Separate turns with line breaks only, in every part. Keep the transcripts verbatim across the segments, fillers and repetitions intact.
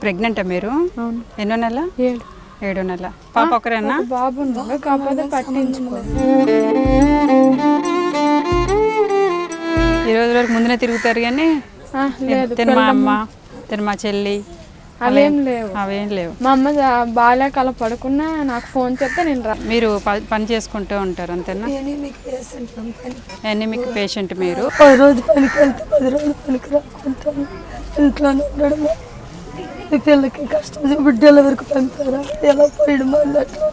ప్రెగ్నెంటా మీరు? ఎన్నో నెల?
ఏడు
ఏడో నెల. పాప ఒకరేనా?
బాబు కాకపోతే పట్టించుకో.
ఈ రోజు వరకు ముందునే తిరుగుతారు కానీ తిన మా అమ్మ తిన మా చెల్లి
అవేం లేవు.
అవేం లేవు.
మా అమ్మ బాగాలేక అలా పడుకున్నా నాకు ఫోన్ చేస్తే నేను రా.
మీరు పని చేసుకుంటూ ఉంటారు అంతేనా? ఎనిమిక్ పేషెంట్ మీరు.
పది రోజు పనికి వెళ్తే పది రోజులు పనికి రాకుంటాను, ఇంట్లోనే ఉండడం. ఈ పిల్లకి కష్టం బిడ్డల వరకు పంపారా, ఎలా పోయడం మళ్ళీ అట్లా.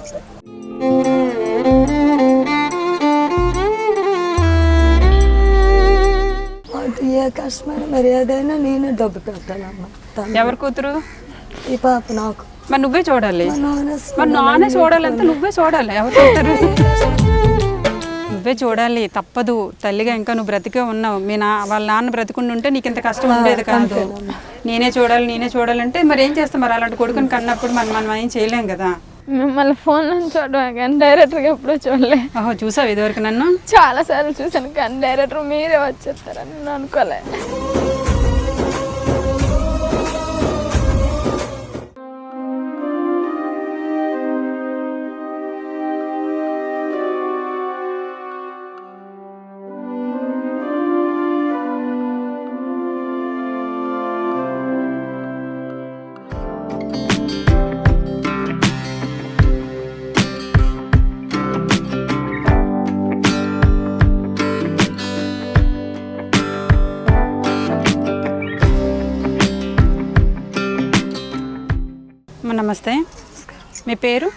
ఏ కష్టమైన మరి ఏదైనా నేనే డబ్బు పెట్టాలమ్మా.
ఎవరి కూతురు?
ఈ పాప నాకు.
మరి నువ్వే చూడాలి. మరి నానే చూడాలంటే నువ్వే చూడాలి. ఎవరు చూడతారు? నువ్వే చూడాలి, తప్పదు. తల్లిగా ఇంకా నువ్వు బ్రతికే ఉన్నావు. మీ నా వాళ్ళ నాన్న బ్రతికుండి ఉంటే నీకు ఇంత కష్టం ఉండేది కాదు. నేనే చూడాలి నేనే చూడాలంటే మరి ఏం చేస్తాం? మరి అలాంటి కొడుకుని కన్నప్పుడు మనం మనం ఏం చేయలేం కదా.
మిమ్మల్ని ఫోన్లో చూడడం కానీ డైరెక్టర్గా ఎప్పుడూ చూడలే.
ఓహో, చూసావు ఇదివరకు నన్ను?
చాలా సార్లు చూసాను కానీ డైరెక్టర్ మీరే వచ్చేస్తారని నేను అనుకోలే.
నమస్తే, మీ పేరు?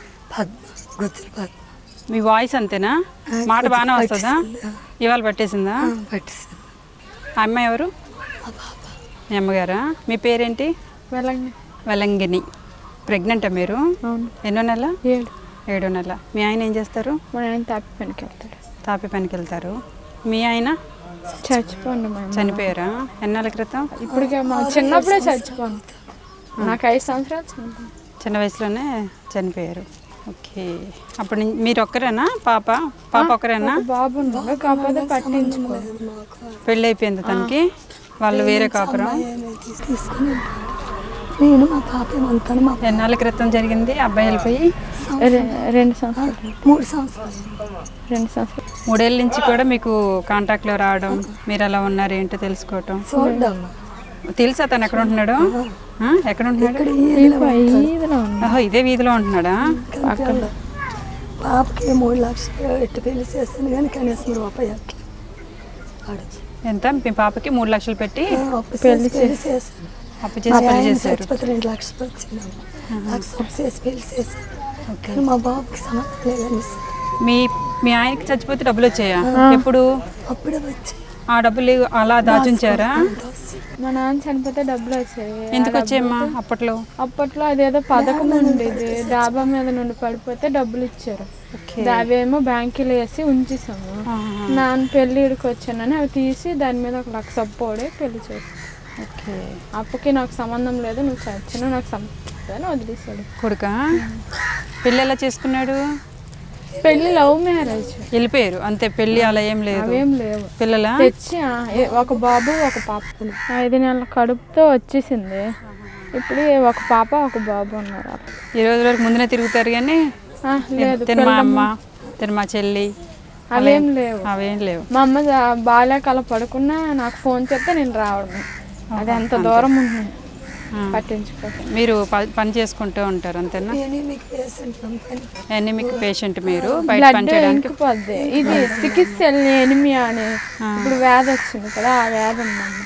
మీ వాయిస్ అంతేనా? మాట బాగానే వస్తుందా? ఇవాళ పట్టేసిందా? అమ్మాయి ఎవరు? మీ అమ్మగారా? మీ పేరేంటి? వెలంగిని. ప్రెగ్నెంటా మీరు? ఎన్నో నెల?
ఏడు
ఏడో నెల. మీ ఆయన ఏం చేస్తారు?
మా ఆయన తాపి పనికి వెళ్తాడు.
తాపి పనికి వెళ్తారు. మీ ఆయన
చచ్చిపోండి.
చనిపోయారా? ఎన్నాళ్ళ క్రితం?
ఇప్పటికే మా చిన్నప్పుడే చచ్చిపోండి. నాకు ఐదు సంవత్సరాలు చనిపోయింది.
చిన్న వయసులోనే చనిపోయారు. ఓకే. అప్పుడు మీరు ఒక్కరేనా? పాప పాప ఒక్కరేనా?
బాబు కాకపోతే పట్టించుకో.
పెళ్ళి అయిపోయింది తనకి? వాళ్ళు వేరే కాపురం?
నేను మా పాప ఏమంతాను. మా
ఎన్నాళ్ళ క్రితం జరిగింది? అబ్బాయి వెళ్ళిపోయి
రెండు సంవత్సరాలు
మూడు సంవత్సరాలు
రెండు సంవత్సరాలు
మూడేళ్ళ నుంచి కూడా మీకు కాంటాక్ట్లో రావడం, మీరు అలా ఉన్నారు ఏంటో తెలుసుకోవటం.
చూడమ్మా.
తెలుసా తను ఎక్కడ ఉంటున్నాడు? ఎక్కడ ఉంటున్నాడు? ఓహో, ఇదే వీధిలో ఉంటున్నాడా?
పాపకి మూడు లక్షలు ఎట్టు పెళ్లి చేస్తాను కానీ కనీసం రూపాయి అట్లా.
ఎంత? మీ పాపకి మూడు లక్షలు పెట్టి
పెళ్లి చేశాను.
అప్పు చేసి పెళ్లి చేశారు.
రెండు లక్షలు వచ్చింది. అప్పు చేసి పెళ్లి చేశాను కానీ మా బాబుకి సంబంధం లేదని.
మీ మీ ఆయనకి చచ్చిపోతే డబ్బులు వచ్చాయా? ఎప్పుడు?
అప్పుడే వచ్చాయి.
ఆ డబ్బులు అలా దాచుంచారా?
మా నాన్న చనిపోతే డబ్బులు వచ్చాయి.
ఎందుకు వచ్చాయమ్మా అప్పట్లో?
అప్పట్లో అదేదో పథకం ఉండేది, డాబా మీద నుండి పడిపోతే డబ్బులు ఇచ్చారు. అవేమో బ్యాంకులో వేసి ఉంచేసాము. నాన్న పెళ్ళిడికి వచ్చానని అవి తీసి దాని మీద ఒక లక్ష అప్పోడే పెళ్లి చేసాను.
ఓకే.
అప్పకి నాకు సంబంధం లేదు, నువ్వు చచ్చినా నాకు సంబంధం వదిలేసాడు.
కొడుక పెళ్ళి ఎలా చేసుకున్నాడు?
పెళ్లి లవ్ మ్యారేజ్.
వెళ్ళిపోయారు అంతే, పెళ్లి అలా ఏం లేదు?
అవేం లేవు.
పిల్లల
తెచ్చి ఒక బాబు ఒక పాప. ఐదు నెలల కడుపుతో వచ్చేసింది. ఇప్పుడు ఒక పాప ఒక బాబు ఉన్నారు.
ఈ రోజు వరకు ముందునే తిరుగుతారు కానీ తిన మా అమ్మ తిన మా చెల్లి
అవేం లేవు.
అవేం లేవు.
మా అమ్మ బాగాలేక అలా పడుకున్నా నాకు ఫోన్ చేస్తే నేను రావడం. అది ఎంత దూరం ఉంటుంది, పట్టించుకోవాలి.
మీరు పని చేసుకుంటూ ఉంటారు అంతేనా? ఎనిమిక్ పేషెంట్ మీరు. బయట పని చేయడానికి
పోద్ది. ఇది చికిత్స ఎనిమియా అని ఇప్పుడు వ్యాధి వచ్చింది కదా, ఆ వ్యాధి ఉందండి.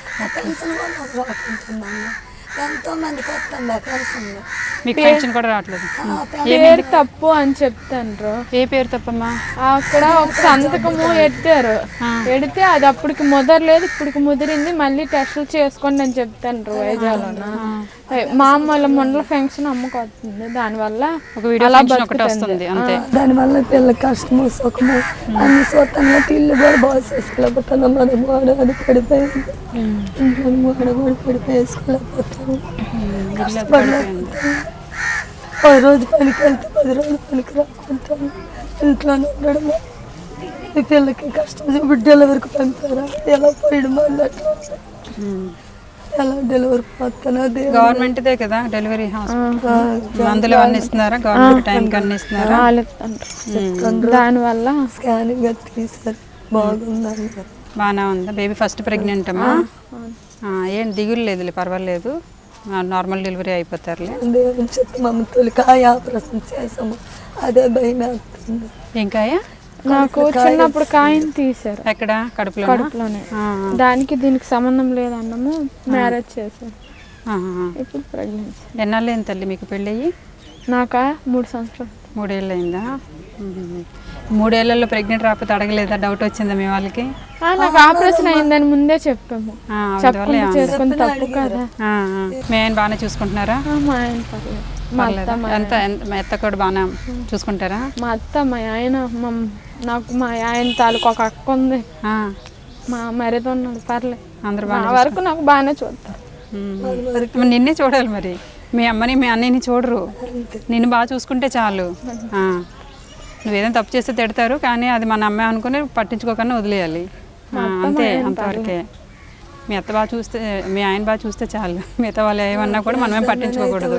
ఎంతో మందికి వస్తుంది.
మీకు పెన్షన్ కూడా రావట్లేదు.
పేరు తప్పు అని చెప్తాను.
ఏ పేరు తప్పమ్మా?
అక్కడ ఒక సంతకము ఎట్టారు, ఎడితే అది అప్పటికి ముదరలేదు, ఇప్పటికి ముదిరింది. మళ్ళీ టెస్టులు చేసుకోండి అని చెప్తాను వైజాగ్లోన. మా అమ్మ వాళ్ళ మండల ఫంక్షన్ అమ్మకు వస్తుంది, దానివల్ల
వస్తుంది అంతే.
దానివల్ల పిల్లల కష్టము సుఖము అన్ని సొంతంగా ఇల్లు కూడా బాగా చేసుకోలేకపోతాను. మనం వాడని పడిపోయింది, వాడబడి పడిపోయి వేసుకోలేకపోతాను. పది రోజు పనికి వెళ్తే పది రోజులు పనికి రాకుంటాను, ఇంట్లోనే ఉండడం. ఈ పిల్లకి కష్టం బిడ్డల వరకు పంపారా, ఎలా పోయడం మళ్ళీ అట్లా. ఎలా డెలివరీ పోతానో దేవుడు.
గవర్నమెంట్దే కదా డెలివరీ హాస్పిటల్, మందులు అన్నీ ఇస్తున్నారా? గవర్నమెంట్ టైంకి అన్నీ ఇస్తున్నారా?
దానివల్ల
స్కానింగ్ అది తీసారు, బాగుందని.
బాగానే ఉందా? బేబీ ఫస్ట్ ప్రెగ్నెంట్ అమ్మా? ఏం దిగులు లేదులే, పర్వాలేదు, నార్మల్ డెలివరీ అయిపోతారులే.
దేవుని చెప్తే మమ్మల్ని తొలికాయ ఆపరేషన్ చేసాము, అదే భయం వేస్తుంది.
ఏం కాయ?
నాకు చిన్నప్పుడు కాయని తీసారు.
ఎక్కడ? కడుపులో?
కడుపులోనే. దానికి దీనికి సంబంధం లేదన్నాము, మ్యారేజ్ చేశారు. ఇప్పుడు ప్రెగ్నెన్సీ.
ఎన్నాళ్ళు అయింది తల్లి మీకు పెళ్ళయ్యి?
నాకా మూడు సంవత్సరాలు.
మూడేళ్ళు అయిందా? మూడేళ్లలో ప్రెగ్నెంట్ రాకపోతే అడగలేదా? డౌట్ వచ్చిందా మీ వాళ్ళకి?
నాకు ఆపరేషన్ అయిందని ముందే చెప్పాము, చెప్పకుండా చేసుకుని తప్పు కదా.
మీ ఆయన బాగానే చూసుకుంటున్నారా?
మా ఆయన పర్లేదు.
ఎంత మా అత్త కూడా బాగా చూసుకుంటారా?
మా అత్త మా ఆయన నాకు మా ఆయన తాలూకు ఒక అక్క ఉంది, మా మరిది ఉన్నాడు, పర్లేదు. అందరు బాగా వరకు నాకు బాగానే చూస్తారు.
నిన్నే చూడాలి మరి, మీ అమ్మని మీ అన్నయ్యని చూడరు, నిన్ను బాగా చూసుకుంటే చాలు. నువ్వేదైనా తప్పు చేస్తే తిడతారు, కానీ అది మన అమ్మాయి అనుకుని పట్టించుకోకుండా వదిలేయాలి, అంతే, అంతవరకే. మీ అత్త బాగా చూస్తే, మీ ఆయన బాగా చూస్తే చాలు, మిగతా వాళ్ళు ఏమన్నా కూడా మనమేం పట్టించుకోకూడదు.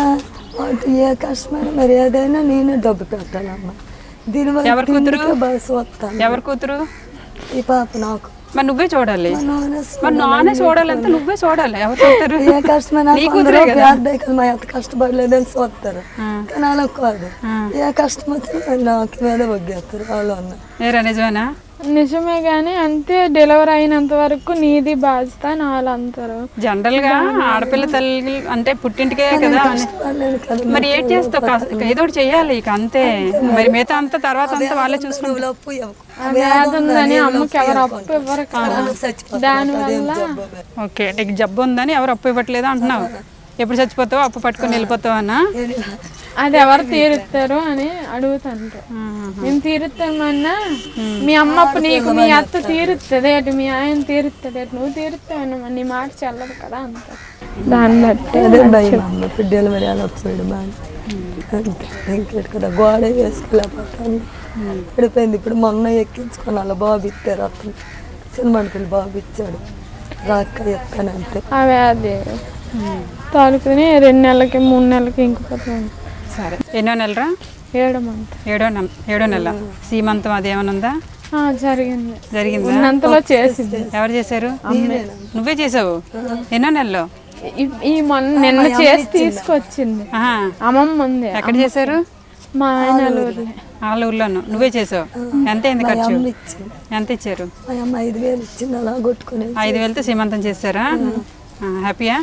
ఏ కష్టమైన మరి ఏదైనా నేనే డబ్బు పెట్టాలమ్మా. దీనివల్ల
ఎవరి కూతురు? ఎవరి కూతురు?
ఈ పాప నాకు.
మరి నువ్వే చూడాలి, మరి నానే చూడాలంటే నువ్వే చూడాలి. ఎవరు చూస్తారు?
ఏ కష్టమైన మా ఎంత కష్టపడలేదని చూస్తారు, కానీ అలా కాదు. ఏ కష్టం వచ్చినా నాకు మీద వగ్గేస్తారు వాళ్ళు అన్న.
ఏరా నిజమేనా?
నిజమే, కానీ అంతే, డెలివరీ అయినంత వరకు నీది బాధ్యత అని వాళ్ళు అంటారు.
జనరల్ గా ఆడపిల్ల తల్లి అంటే పుట్టింటికే కదా, మరి ఏం చేస్తావు? ఏదో ఒకటి చెయ్యాలి ఇక, అంతే. మరి మిగతా అంతా తర్వాత అంతా వాళ్ళే చూసుకుంటారు.
ఉందని అమ్మకి ఎవరు అప్పు ఇవ్వరు కదా, దానివల్ల.
ఓకే, నీకు జబ్బు ఉందని ఎవరు అప్పు ఇవ్వట్లేదు అంటున్నావు. ఎప్పుడు చచ్చిపోతావు? అప్పు పట్టుకొని వెళ్ళిపోతావు అన్నా?
అది ఎవరు తీరుస్తారు అని అడుగుతాంటారు. మేము తీరుస్తామన్నా మీ అమ్మ అప్పు నీకు మీ అత్త తీరుస్తుంది అటు, మీ ఆయన తీరుస్తుంది అటు, నువ్వు తీరుస్తావన్నా నీ మాట చల్లదు కదా అంటారు. దాన్ని బట్టి
అదే భయం అమ్మ. ఇప్పుడు డెలివరీ అలా పోయాడు బాగా, ఇంకేటి కదా, గోడ వేసుకోలేకపోతాను, పడిపోయింది. ఇప్పుడు మొన్న ఎక్కించుకొని అలా బాబు ఇచ్చారు, అతను సినిమాకి వెళ్ళి బాబు ఇచ్చాడు, రాక ఎత్తాను అంతే.
అవే అది తాలూకుని రెండు నెలలకి మూడు నెలలకి ఇంకిపోతాను.
సరే, ఎన్నో నెలరా?
ఏడో మంత్.
ఏడో నెల. ఏడో నెల సీమంతం అది ఏమైనా ఉందా?
జరిగింది.
జరిగిందా?
ఉన్నంతలో చేసింది.
ఎవరు చేశారు? నువ్వే చేసావు? ఎన్నో నెలలో?
ఈ మొన్న నిన్న చేసి తీసుకొచ్చింది అమ్మమ్మ ఉంది.
ఎక్కడ చేశారు?
మా ఆయన ఊర్లో.
వాళ్ళ ఊర్లోను. నువ్వే చేసావు? ఎంత అయింది ఖర్చు? ఎంత ఇచ్చారు?
ఐదు వేలు ఇచ్చింది, అలా కొట్టుకుని.
ఐదు వేలతో సీమంతం చేశారా? హ్యాపీయా?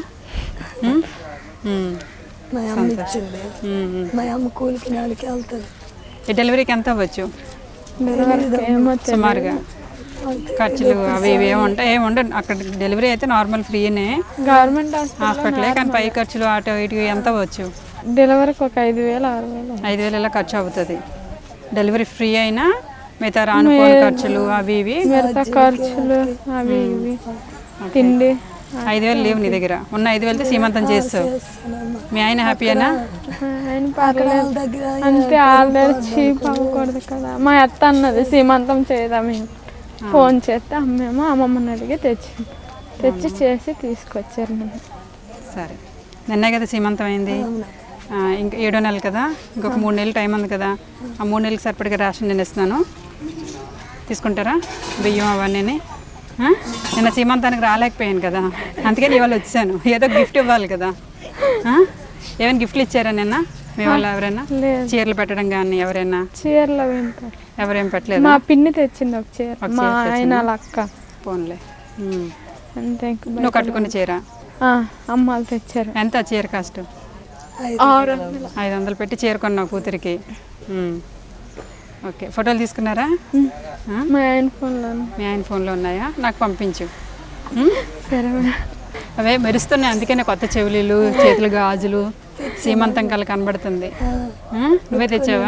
మా అమ్మ ఇచ్చింది, మా అమ్మ కూలికి నెలకి వెళ్తుంది.
ఈ డెలివరీకి ఎంత అవ్వచ్చు సుమారుగా? ఖర్చులు అవి ఇవి ఏమి ఉంటాయి? ఏమి ఉండదు అక్కడ. డెలివరీ అయితే నార్మల్ ఫ్రీనే,
గవర్నమెంట్
హాస్పిటలే, కానీ పై ఖర్చులు అటు ఇటు ఎంత అవ్వచ్చు?
డెలివరీకి ఒక ఐదు వేలు ఆరు వేలు
ఐదు వేలు ఇలా ఖర్చు అవుతుంది. డెలివరీ ఫ్రీ అయినా మిగతా రానుకోని ఖర్చులు అవి ఇవి,
మిగతా ఖర్చులు అవి ఇవి, తిండి.
ఐదు వేలు లేవు నీ దగ్గర? ఉన్న ఐదు వేలతో సీమంతం చేస్తావు. మీ ఆయన హ్యాపీయేనా?
ఆయన పర్లేదు, అంతే. ఆల్రెడీ చీప్ అవ్వకూడదు కదా. మా అత్త అన్నది సీమంతం చేద్దాం, ఫోన్ చేస్తే అమ్మేమో అమ్మమ్మని అడిగి తెచ్చి తెచ్చి చేసి తీసుకొచ్చారు నన్ను.
సరే, నిన్నే కదా సీమంతం అయింది, ఇంకా ఏడో నెలలు కదా, ఇంకొక మూడు నెలలు టైం ఉంది కదా. ఆ మూడు నెలలకు సరిపడిగా రేషన్ నేను ఇస్తున్నాను, తీసుకుంటారా? బియ్యం అవన్నీ. నిన్న సీమంతానికి రాలేకపోయాను కదా, అందుకని ఇవాళ వచ్చాను. ఏదో గిఫ్ట్ ఇవ్వాలి కదా. ఏమైనా గిఫ్ట్లు ఇచ్చారా నిన్న మీ వాళ్ళు? ఎవరైనా చీరలు పెట్టడం కానీ ఎవరైనా?
చీరలు
ఎవరేం పెట్టలేదు.
మా పిన్ని తెచ్చింది ఒక చీర, మా ఆయన అక్క.
పోన్లే,
అంతే.
నువ్వు కట్టుకున్న చీర
అమ్మాలు తెచ్చారు.
ఎంత చీర కాస్ట్? ఐదు వందలు పెట్టి చీర కొన్నావు కూతురికి. ఓకే, ఫోటోలు తీసుకున్నారా?
మా ఆయన ఫోన్లో.
మీ ఆయన ఫోన్లో ఉన్నాయా? నాకు పంపించు.
సరే.
అవే మెరుస్తున్నాయి, అందుకనే కొత్త చెవులీలు, చేతులు గాజులు, సీమంతం కల కనబడుతుంది. నువ్వే తెచ్చావా?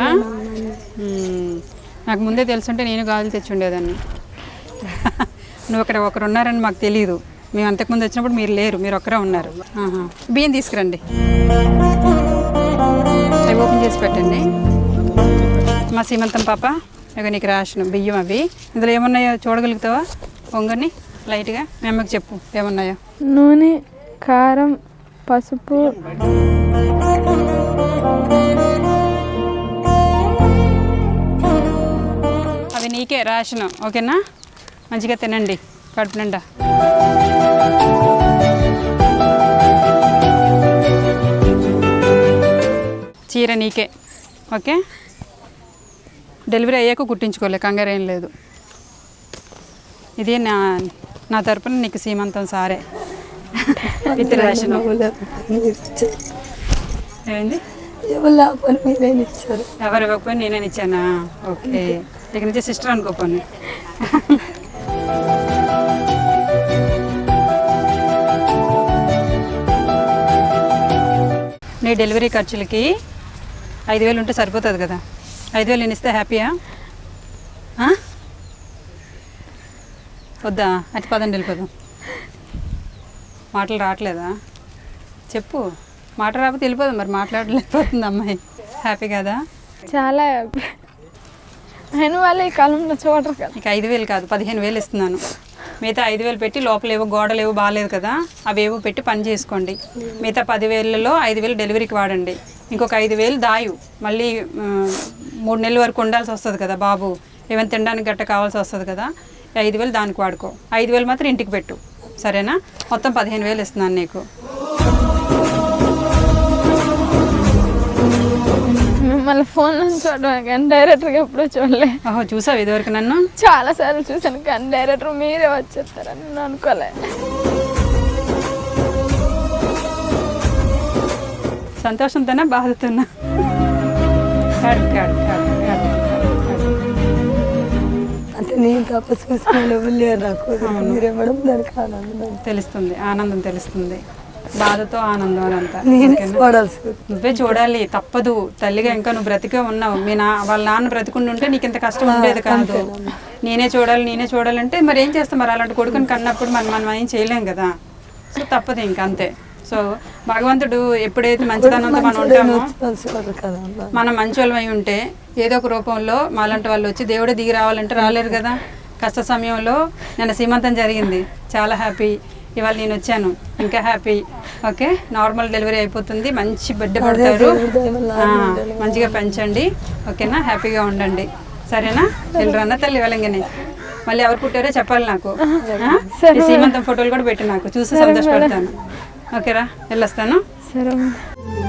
నాకు ముందే తెలుసుంటే నేను గాజులు తెచ్చి ఉండేదాన్ని. నువ్వు అక్కడ ఒకరు ఉన్నారని మాకు తెలియదు. మేము అంతకుముందు వచ్చినప్పుడు మీరు లేరు, మీరు ఒక్కరే ఉన్నారు. బియ్యం తీసుకురండి, అవి ఓపెన్ చేసి పెట్టండి. మా సీమంతం పాప, ఇక నీకు రేషన్ బియ్యం అవి. ఇందులో ఏమున్నాయో చూడగలుగుతావా? పొంగని లైట్గా మీ అమ్మకి చెప్పు ఏమున్నాయో.
నూనె, కారం, పసుపు,
అవి నీకే రేషన్, ఓకేనా? మంచిగా తినండి కడుపు నిండా. చీర నీకే, ఓకే? డెలివరీ అయ్యాక కుట్టించుకోలే, కంగారు ఏం లేదు. ఇది నా నా తరపున నీకు సీమంతం సారే విత్ రేషన్. ఏంది
ఎవరు లేకపోతే మీరేం ఇచ్చారు?
ఎవరు ఇవ్వకపోయి నేనే ఇచ్చానా? ఓకే, ఇక నుంచి సిస్టర్ అనుకోపోయి. నీ డెలివరీ ఖర్చులకి ఐదు వేలు ఉంటే సరిపోతుంది కదా. ఐదు వేలు నేను ఇస్తే హ్యాపీయా? వద్దా? అటు పదండి వెళ్ళిపోదాం. మాటలు రావట్లేదా? చెప్పు. మాట రాకపోతే వెళ్ళిపోదాం. మరి మాట్లాడలేకపోతుంది అమ్మాయి. హ్యాపీ కదా?
చాలా హ్యాపీ. అయిన వాళ్ళు ఈ కాలంలో చూడరు కదా.
ఇక ఐదు వేలు కాదు, పదిహేను వేలు ఇస్తున్నాను. మిగతా ఐదు వేలు పెట్టి లోపల ఏవో గోడలు ఏవో బాగాలేదు కదా, అవి ఏవో పెట్టి పని చేసుకోండి. మిగతా పదివేలలో ఐదు వేలు డెలివరీకి వాడండి. ఇంకొక ఐదు వేలు దాయు, మళ్ళీ మూడు నెలల వరకు ఉండాల్సి వస్తుంది కదా బాబు, ఏమైనా తినడానికి గట్ట కావాల్సి వస్తుంది కదా. ఐదు వేలు దానికి వాడుకో, ఐదు వేలు మాత్రం ఇంటికి పెట్టు, సరేనా? మొత్తం పదిహేను వేలు ఇస్తున్నాను నీకు.
మిమ్మల్ని ఫోన్లో చూడడం కానీ డైరెక్టర్గా ఎప్పుడూ చూడలే.
ఓహో, చూసావు ఇదివరకు నన్ను?
చాలా సార్లు చూసాను కానీ డైరెక్టర్ మీరే వచ్చేస్తారని నేను అనుకోలే.
సంతోషంతోనా బాధతోనా? కాడు కాడు కాడు కాడు
అంటే నేను తప్ప చూసిన లేరు నాకు. మీరే మేడం దానికి ఆనందం
తెలుస్తుంది, ఆనందం తెలుస్తుంది. బాధతో ఆనందం అనంతా నువ్వే చూడాలి, తప్పదు. తల్లిగా ఇంకా నువ్వు బ్రతికే ఉన్నావు. మీ నా వాళ్ళ నాన్న బ్రతికుండి ఉంటే నీకు ఇంత కష్టం ఉండేది కాదు. నేనే చూడాలి నేనే చూడాలంటే మరి ఏం చేస్తాం? మరి అలాంటి కొడుకుని కన్నప్పుడు మనం మనం ఏం చేయలేం కదా. సో తప్పదు ఇంక అంతే. సో భగవంతుడు ఎప్పుడైతే మంచితనంతో మనం ఉంటామో, మనం మంచి వాళ్ళం అయి ఉంటే ఏదో ఒక రూపంలో మాలాంటి వాళ్ళు వచ్చి దేవుడే దిగి రావాలంటే రాలేరు కదా. కష్ట సమయంలో నిన్న సీమంతం జరిగింది, చాలా హ్యాపీ. ఇవాళ నేను వచ్చాను, ఇంకా హ్యాపీ. ఓకే, నార్మల్ డెలివరీ అయిపోతుంది, మంచి బిడ్డ పడతారు. మంచిగా పెంచండి, ఓకేనా? హ్యాపీగా ఉండండి, సరేనా? వెళ్ళరన్న తల్లి వెళ్ళంగానే. మళ్ళీ ఎవరు పుట్టారో చెప్పాలి నాకు. సీమంతం ఫోటోలు కూడా పెట్టి నాకు చూసి సంతోషపడతాను. ఓకేరా, వెళ్ళొస్తాను.
సరే.